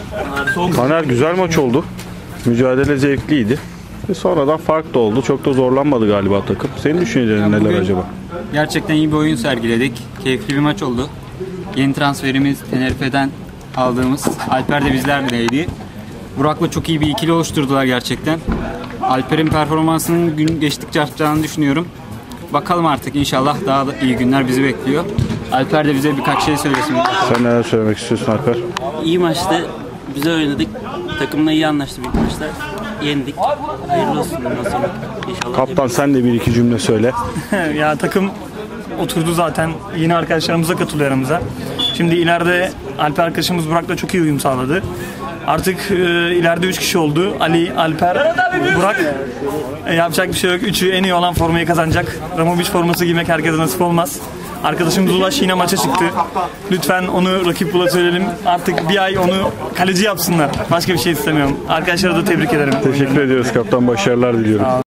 Taner, güzel maç oldu. Mücadele zevkliydi. Ve sonradan fark da oldu. Çok da zorlanmadı galiba takım. Senin düşüncelerin neler acaba? Gerçekten iyi bir oyun sergiledik. Keyifli bir maç oldu. Yeni transferimiz Tenerife'den aldığımız Alper de bizlerleydi. Burak'la çok iyi bir ikili oluşturdular gerçekten. Alper'in performansının gün geçtikçe artacağını düşünüyorum. Bakalım artık, inşallah daha da iyi günler bizi bekliyor. Alper de bize birkaç şey söylesin. Sen neler söylemek istiyorsun Alper? İyi maçtı. Güzel oynadık. Takımla iyi anlaştık ilk maçta. Yendik. Hayırlı olsun bundan sonra. İnşallah. Kaptan, sen de bir iki cümle söyle. Ya takım oturdu zaten. Yeni arkadaşlarımıza katılıyor aramıza. Şimdi ileride Alper arkadaşımız Burak'la çok iyi uyum sağladı. Artık ileride 3 kişi oldu. Ali, Alper, Burak. Yapacak bir şey yok. Üçü en iyi olan formayı kazanacak. Ramovic forması giymek herkese nasip olmaz. Arkadaşımız Ulaş yine maça çıktı. Lütfen onu rakip bula söyleyelim. Artık bir ay onu kaleci yapsınlar. Başka bir şey istemiyorum. Arkadaşlara da tebrik ederim. Teşekkür ediyoruz kaptan. Başarılar diliyorum.